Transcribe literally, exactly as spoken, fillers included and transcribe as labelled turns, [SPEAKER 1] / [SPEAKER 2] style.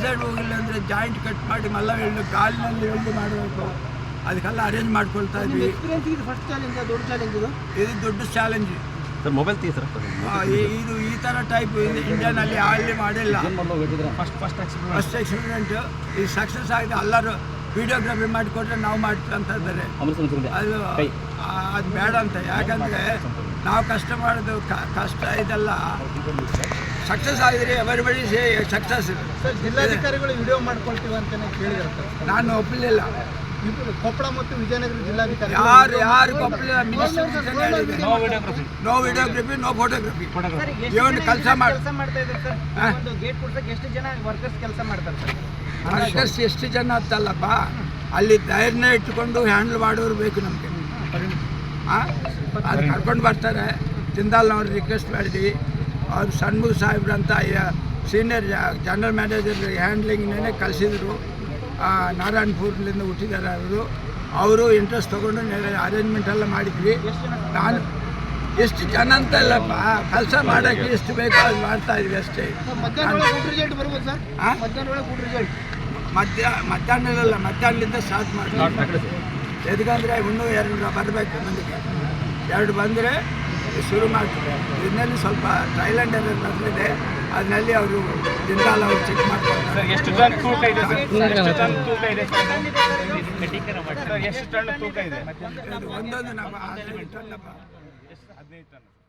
[SPEAKER 1] Side ಹೋಗಿಲ್ಲ ಅಂದರೆ joint cut ಮಾಡಿ ಮಲ್ಲ ವೆಲ್ಡ್ ಕಾಲಿನಲ್ಲಿ ವೆಲ್ಡ್ ಮಾಡಬೇಕು, ಅದಕ್ಕೆಲ್ಲ ಅರೇಂಜ್ ಮಾಡ್ಕೊಳ್ತಾ ಇದ್ವಿ.
[SPEAKER 2] ಫಸ್ಟ್ ಚಾಲೆಂಜ್ ದೊಡ್ಡ ಚಾಲೆಂಜ್ ಇದು
[SPEAKER 1] ಇದು ದೊಡ್ಡ ಚಾಲೆಂಜ್
[SPEAKER 3] ಸರ್. ಮೊಬೈಲ್ ತೀ ಸರ್
[SPEAKER 1] ಇದು ಈ ಥರ ಟೈಪ್ ಇಂಡಿಯಾನಲ್ಲಿ ಅಲ್ಲಿ ಮಾಡಿಲ್ಲ.
[SPEAKER 3] ಫಸ್ಟ್ ಫಸ್ಟ್
[SPEAKER 1] ಫಸ್ಟ್ ಎಕ್ಸ್ಪೀರಿಮೆಂಟ್ ಇದು ಸಕ್ಸಸ್ ಆಗಿದೆ. ಎಲ್ಲರೂ ವಿಡಿಯೋಗ್ರಫಿ ಮಾಡಿಕೊಟ್ರೆ ನಾವು ಮಾಡ್ತೀವಿ ಅಂತ ಇದ್ದಾರೆ. ಅದು ಅದು ಬೇಡ ಅಂತ, ಯಾಕಂದರೆ ನಾವು ಕಷ್ಟ ಮಾಡೋದು ಕಷ್ಟ ಇದೆಲ್ಲ ಸಕ್ಸಸ್ ಆಗಿದ್ರೆ ಎವರಿಬಡಿ ಸೇ ಸಕ್ಸಸ್.
[SPEAKER 2] ಸರ್, ಜಿಲ್ಲಾಧಿಕಾರಿಗಳು ವಿಡಿಯೋ ಮಾಡ್ಕೊಳ್ತೀವಿ ಅಂತಲೇ ಕೇಳಿದ್ರು.
[SPEAKER 1] ನಾನು ಒಪ್ಪಲಿಲ್ಲ.
[SPEAKER 2] ಕೊಪ್ಪಳ ಮತ್ತು ವಿಜಯನಗರ ಜಿಲ್ಲಾಧಿಕಾರಿ
[SPEAKER 1] ಯಾರು ಯಾರು Koppal minister no videography no photography ಏನು ಕೆಲಸ ಮಾಡಿ
[SPEAKER 2] ಮಾಡ್ತಾ ಇದ್ದಾರೆ ಸರ್. ಒಂದು ಗೇಟ್ ಕೊಡ್ಸಕ್ಕೆ ಎಷ್ಟು ಜನ ವರ್ಕರ್ಸ್ ಕೆಲಸ ಮಾಡ್ತಾರೆ ಸರ್?
[SPEAKER 1] ವರ್ಕರ್ಸ್ ಎಷ್ಟು ಜನ ಅಂತಲ್ಲಪ್ಪ, ಅಲ್ಲಿ ಧೈರ್ಯ ಇಟ್ಕೊಂಡು ಹ್ಯಾಂಡಲ್ ಮಾಡೋರು ಬೇಕು ನಮಗೆ. ಹಾಂ, ಅದು ಕರ್ಕೊಂಡು ಬರ್ತಾರೆ. ಜಿಂದಾಲ್ನವ್ರು ರಿಕ್ವೆಸ್ಟ್ ಮಾಡಿದ್ವಿ. ಅವ್ರು ಷಣ್ಮುಖ ಸಾಹೇಬ್ರಂತ ಸೀನಿಯರ್ ಜನರಲ್ ಮ್ಯಾನೇಜರ್ ಹ್ಯಾಂಡ್ಲಿಂಗ್ನೇ ಕಳಿಸಿದ್ರು. ನಾರಾಯಣಪುರದಿಂದ ಹುಟ್ಟಿದ್ದಾರೆ ಅವರು. ಅವರು ಇಂಟ್ರೆಸ್ಟ್ ತೊಗೊಂಡು ಅರೇಂಜ್ಮೆಂಟ್ ಎಲ್ಲ ಮಾಡಿದ್ವಿ. ನಾನು ಎಷ್ಟು ಜನ ಅಂತ ಇಲ್ಲಪ್ಪ, ಕೆಲಸ ಮಾಡೋಕ್ಕೆ ಎಷ್ಟು ಬೇಕೋ ಅದು ಮಾಡ್ತಾ ಇದ್ವಿ ಅಷ್ಟೇ. ಹಾಂ, ಮಧ್ಯ ಮಧ್ಯಾಹ್ನದಲ್ಲ ಮಧ್ಯಾಹ್ನದಿಂದ ಸ್ಟಾರ್ಟ್ ಮಾಡಿ. ಎದಕ್ಕಂದರೆ ಇನ್ನೂ ಎರಡು ಬರಬೇಕು ಮಂದಿಗೆ. ಎರಡು ಬಂದರೆ ಶುರು ಮಾಡ್ತಾರೆ. ಇದರಲ್ಲಿ ಸ್ವಲ್ಪ ಟ್ರೈಲೆಂಡ್ ಎಲ್ಲ ಬಂದಿದೆ, ಅದರಲ್ಲಿ ಅವರು ಜಿಂದಾಲ್ ಅವರು ಚೆಕ್ ಮಾಡ್ತಾರೆ.
[SPEAKER 3] ಎಷ್ಟು ಟನ್ ತೂಕ ಇದೆ ಸರ್? ಎಷ್ಟು ಟನ್ ತೂಕ ಇದೆ ಸರ್? ಎಷ್ಟು ಟನ್ ತೂಕ ಇದೆ?
[SPEAKER 1] ಒಂದೊಂದು ನಮ್ಮ ಹದಿನೈದು ಟನ್.
[SPEAKER 3] ಹದಿನೈದು ಟನ್